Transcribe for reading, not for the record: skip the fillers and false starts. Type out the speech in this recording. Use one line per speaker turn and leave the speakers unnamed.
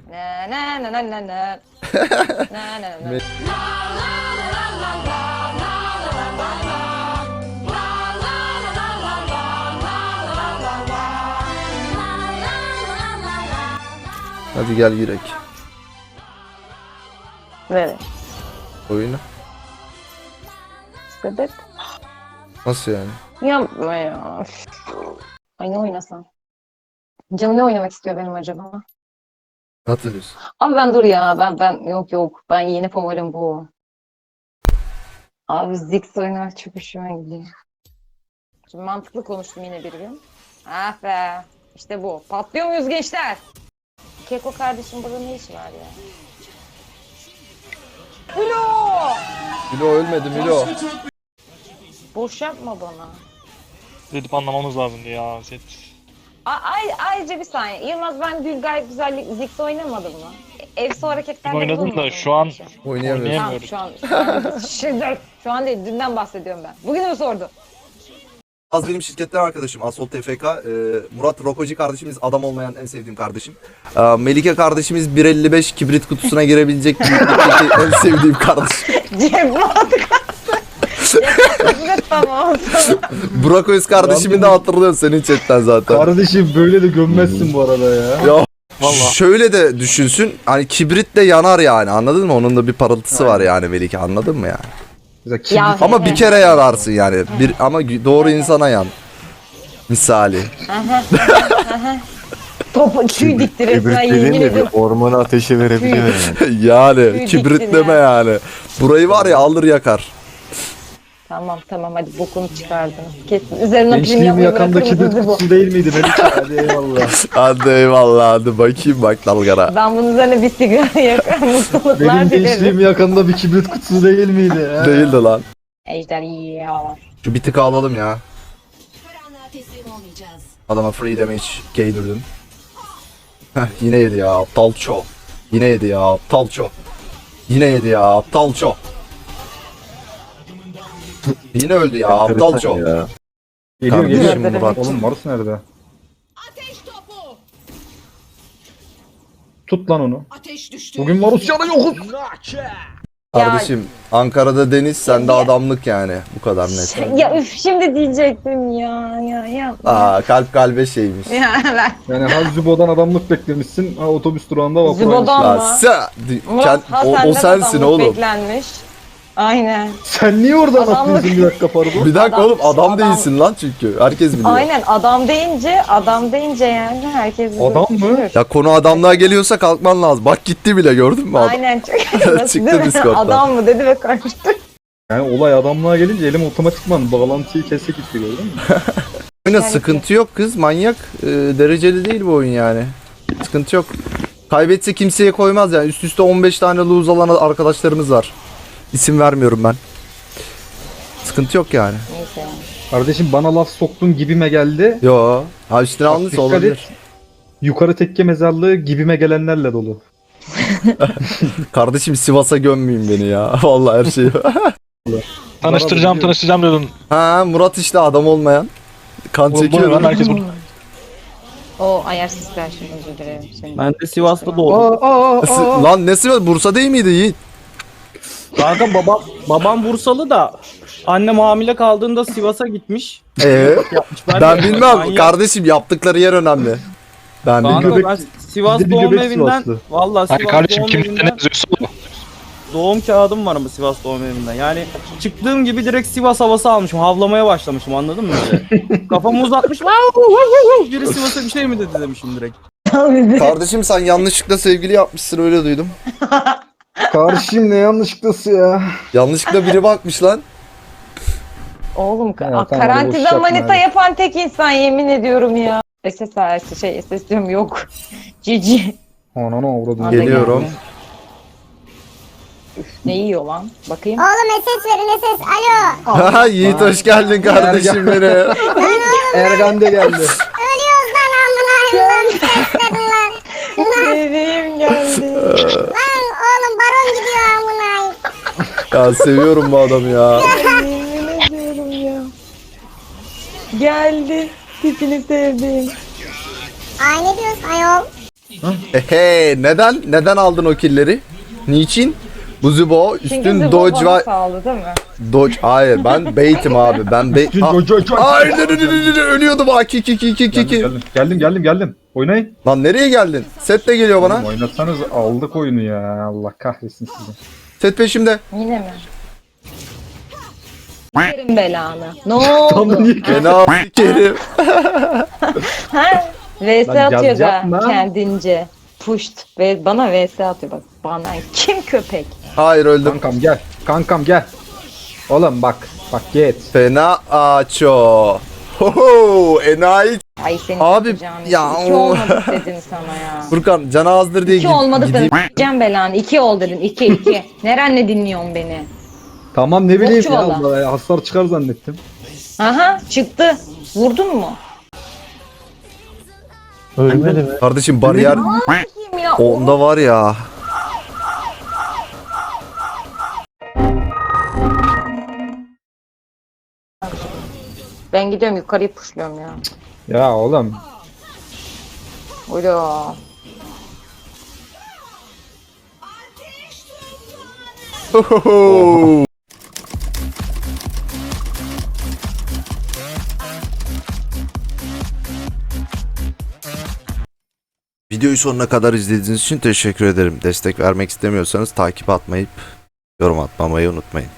Na na na na na na. Na na na.
Hadi gel girek.
Nereye?
Oyunu.
Sebep?
Nasıl yani?
Yapma ya. Ay ne oynasam? Canım ne oynamak istiyor benim acaba?
Hatırlıyorsun.
Abi ben dur ya. Ben yok. Ben yeni favorim bu. Abi Ziggs oynamak çok hoşuma gidiyor. Şimdi mantıklı konuştum yine bir gün. Ah be. İşte bu. Patlıyor muyuz gençler? Keko kardeşim burada ne işi var ya? Ulo!
Milo ölmedi Milo.
Boş yapma bana.
Dedip anlamamız lazımdı ya set.
Ayrıca bir saniye. Yılmaz ben Gül gayet güzellik Ziggs oynamadım mı? Evsi hareketlerle
Oynadım da
bulunmadım
şu an
mı?
Oynayamıyoruz.
Tamam
oynayamıyoruz.
şu an değil dünden bahsediyorum ben. Bugün mü sordu?
Az benim şirketten arkadaşım Asol TFK. Murat Rokoci kardeşimiz adam olmayan en sevdiğim kardeşim. Melike kardeşimiz 1.55 kibrit kutusuna girebilecek büyüklükteki en sevdiğim kardeşim.
Cevap Evet tamam.
Burak Öz kardeşimi de hatırlıyorum senin chatten zaten.
Kardeşim böyle de gömmezsin bu arada ya.
Ya
Vallahi.
şöyle de düşünsün. Hani kibrit de yanar yani anladın mı? Onun da bir parıltısı var yani Melike anladın mı yani?
Mesela kim
Ya,
Ama bir kere yanarsın yani. Ama doğru insana yan. Misali.
Topu tüy dikti resmen
Kibrit
yemin
dediğin de bir
ediyorum.
ormanı ateşe verebiliyor yani.
Yani
Tüy
kibrit
diktin
deme
ya.
yani. Burayı var ya alır yakar.
Tamam hadi bokunu çıkardınız. Kesin. Üzerine prim
gençliğimi
yapmayı
yakanda
bırakır
kibrit
mısınız bu?
kutusu değil miydi Melike? Hadi eyvallah.
Hadi eyvallah hadi bakayım bak dalgara.
Ben bunun üzerine bir sigara yakar mutluluklar
Benim
dilerim.
gençliğim yakanda bir kibrit kutusu değil miydi? Ha?
Değildi lan.
Ejder ya.
Şu bir tık alalım ya.
Karanlığa teslim olmayacağız.
Adama free damage gaydirdim. Heh yine yedi ya aptal ço. Yine yedi ya aptal ço. Yine yedi ya aptal ço. Yine öldü ya aptal ço.
Ya.
Geliyor
Kardeşim
geliyor.
Murat.
Oğlum Mars nerede?
Ateş topu.
Tut lan onu.
Ateş düştü.
Bugün Marusya'da yokuz.
Kardeşim Ankara'da deniz sende
Ya-
adamlık yani. Bu kadar net.
Ya üf şimdi diyecektim ya.
Aa kalp kalbe şeymiş.
Ya ben.
Yani ha Zübo'dan adamlık beklemişsin. Ha otobüs durağında vapur
Zübo'dan
Ya
mı?
sen, o sensin oğlum.
Beklenmiş. Aynen.
Sen niye oradan
Adamlık.
atlıyorsun bir dakika pardon?
Bir dakika oğlum adam
Adam-
değilsin lan çünkü. Herkes biliyor.
Aynen adam deyince yani herkes
Adam mı?
düşünür.
Ya konu adamlığa geliyorsa kalkman lazım. Bak gitti bile gördün mü adam?
Aynen çok
Çıktı
Değil mi?
Discord'dan.
Adam mı dedi ve kaçtı.
Yani olay adamlığa gelince elim otomatikman bağlantıyı kese gitti gördün mü?
Oyuna sıkıntı yok kız manyak. Dereceli değil bu oyun yani. Sıkıntı yok. Kaybetse kimseye koymaz yani. Üst üste 15 tane lose alan arkadaşlarımız var. İsim vermiyorum ben. Sıkıntı yok yani.
Neyse yani.
Kardeşim bana laf soktun gibime geldi.
Yo. Ha üstüne
Bak,
alınırsa
dikkat
olabilir.
et. Yukarı tekke mezarlığı gibime gelenlerle dolu.
Kardeşim Sivas'a gömmeyeyim beni ya. Vallahi her şeyi.
Tanıştıracağım dedin.
Ha Murat işte adam olmayan. Kan
Oğlum bu ne
çekiyor.
lan herkes burada.
O ayarsız karşım özür dilerim. Senin.
Ben de Sivas'ta doğdum.
Lan nesi var? Bursa değil miydi Yiğit?
Kanka babam Bursalı da annem hamile kaldığında Sivas'a gitmiş. Yapmış.
Ben
de-
bilmem.
Manyak.
Kardeşim yaptıkları yer önemli. Ben bilmem.
Kanka
Göbek-
ben Sivas
bir de bir
doğum
göbek
evinden
Sivaslı.
valla
Hayır
Sivas
kardeşim
doğum
kimlikte ne
evinden
yazıyorsa o.
doğum kağıdım var ama Sivas doğum evinden. Yani çıktığım gibi direkt Sivas havası almışım. Havlamaya başlamışım anladın mı? Kafamı uzatmış. Biri Sivas'a bir şey mi dedi demişim direkt.
Kardeşim sen yanlışlıkla sevgili yapmışsın öyle duydum.
Karşıyım ne yanlışlıkla ya.
Yanlışlıkla biri bakmış lan.
Oğlum
Ya, tamam, boş
karantina
yapma
manita
hadi.
yapan tek insan yemin ediyorum ya. SS diyorum yok. Cici.
Ananı avradım.
Hadi
Geliyorum.
geldi. Ne yiyor lan? Bakayım.
Oğlum ses verin ses. Alo.
Haha Yiğit hoş geldin kardeşim benim.
Ergan de geldi.
Ölüyoruz lan amına. Lan ses verin lan.
Bebeğim geldi.
Lan oğlum baron gidiyor amına.
Ya seviyorum bu adamı ya.
Yemin ediyorum ya. Geldi. Tipini sevdim.
Ay ne diyorsun ayol?
Neden? Neden aldın o killeri? Niçin? Buzubo
Çünkü
üstün
Zubo
dodge
bana
var.
sağladı değil mi?
Dodge hayır ben bait'im abi. Ben bait. Hayır ölüyordum ha ki.
Geldim. Oynayın.
Lan nereye geldin? Set de geliyor bana.
Oğlum oynatsanız aldık oyunu ya. Allah kahretsin sizi.
Set peşimde.
Yine mi? Yerim belanı. Ne oldu?
Fena sikerim.
Ha? VS
Lan
atıyor
yaz
da
yapma.
kendince. Pushed. Ve bana VS atıyor bak. Bana kim köpek?
Hayır öldüm.
Kankam gel. Oğlum bak git.
Fena aço. Hoho enayi.
Ay senin
Abi,
yapacağın
ya
işi. İki
o-
olmadı dedim sana ya.
Furkan canı azdır diye
İki olmadık
gideyim.
dedim. Gideceğim belanı. İki ol dedim. İki. Nerenle dinliyorsun beni?
Tamam ne bileyim ya.
Bokçu valla.
Hasar çıkar zannettim.
Aha çıktı. Vurdun mu?
Ölmedi mi?
Kardeşim bariyer
Kim ya?
onda var ya.
Ben gidiyorum yukarıyı pushluyorum ya.
Ya oğlum.
Ula.
Hohoho. Videoyu sonuna kadar izlediğiniz için teşekkür ederim. Destek vermek istemiyorsanız takip atmayıp yorum atmamayı unutmayın.